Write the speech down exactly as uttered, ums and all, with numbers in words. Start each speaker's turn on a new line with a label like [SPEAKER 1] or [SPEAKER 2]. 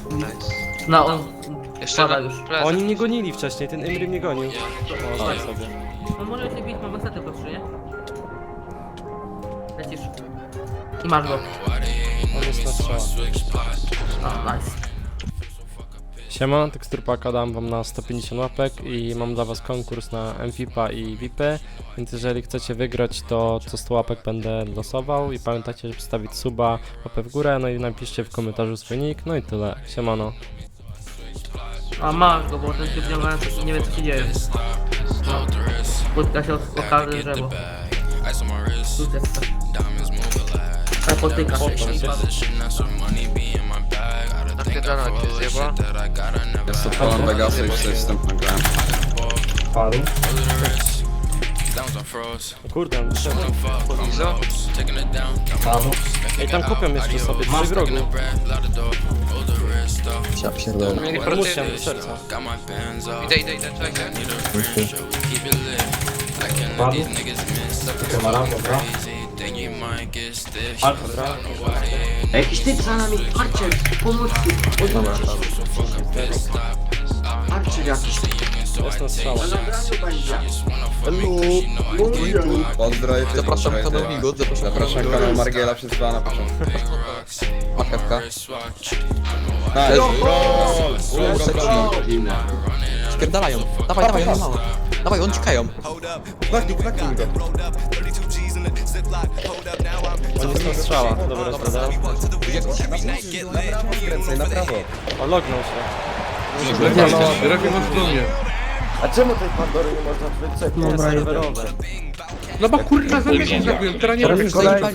[SPEAKER 1] No on...
[SPEAKER 2] Jeszcze
[SPEAKER 1] Pada
[SPEAKER 2] na
[SPEAKER 1] już.
[SPEAKER 2] plecy.
[SPEAKER 3] Oni mnie gonili wcześniej, ten Imry mnie gonił. O, tak sobie.
[SPEAKER 1] No może się bić, mam wystarczy po trzy, nie? Lecisz. I masz go.
[SPEAKER 3] On jest na strzała.
[SPEAKER 1] A, nice.
[SPEAKER 3] Siema, teksturpaka dam wam na sto pięćdziesiąt łapek i mam dla was konkurs na M V P A i V I P, więc jeżeli chcecie wygrać, to co sto łapek będę losował i pamiętajcie, żeby wstawić suba, łapę w górę, no i napiszcie w komentarzu swój nick, no i tyle. Siemano.
[SPEAKER 1] A masz go, bo ten się wciągający nie wie co się dzieje. No. Spotka się o, o każde drzewo. Tu jest. A potyka.
[SPEAKER 2] Napierdala cię zjeba.
[SPEAKER 4] Jest to Poland Vegas, już coś wstępne grałem.
[SPEAKER 5] Paru.
[SPEAKER 3] O kurde, on wszedł.
[SPEAKER 2] Izo?
[SPEAKER 5] Paru.
[SPEAKER 3] Ej, tam kupią jeszcze sobie, trzy wrogu.
[SPEAKER 4] Ja pierdolę.
[SPEAKER 2] Mieli
[SPEAKER 3] Muszę
[SPEAKER 2] proty.
[SPEAKER 3] z serca.
[SPEAKER 2] Idę, idę, idę, czekajcie.
[SPEAKER 5] Paru. Kamara, dobra. Alfa, dobra.
[SPEAKER 1] Ej, jakiś typ za nami, Archer, pomocy, odwróćcie się. Archer jakiś.
[SPEAKER 3] Jest na strzała.
[SPEAKER 4] Pozdroję,
[SPEAKER 6] Zapraszam
[SPEAKER 4] pozdroję,
[SPEAKER 6] kanał
[SPEAKER 4] ty.
[SPEAKER 6] Migot, zapraszam
[SPEAKER 4] Zapraszam
[SPEAKER 6] kanał
[SPEAKER 4] kanał
[SPEAKER 6] Migot.
[SPEAKER 4] Margiela przez dwa na początku.
[SPEAKER 6] Marchewka.
[SPEAKER 4] Nice, roll! Roll,
[SPEAKER 6] Spierdalają. Dawaj, dawaj, oni mało. Dawaj, oni uciekają.
[SPEAKER 4] Knocking, knocking go.
[SPEAKER 3] On jest na strzała. Dobra, dobra.
[SPEAKER 4] Na prawo skręcaj, na prawo.
[SPEAKER 3] O, lognął się.
[SPEAKER 7] A czemu tej Pandory nie można wycofać?
[SPEAKER 3] Jest serwerowe.
[SPEAKER 8] No bo kurwa zombies się zabiją, teraz nie
[SPEAKER 7] Teraz
[SPEAKER 8] wiem.
[SPEAKER 7] kolejny.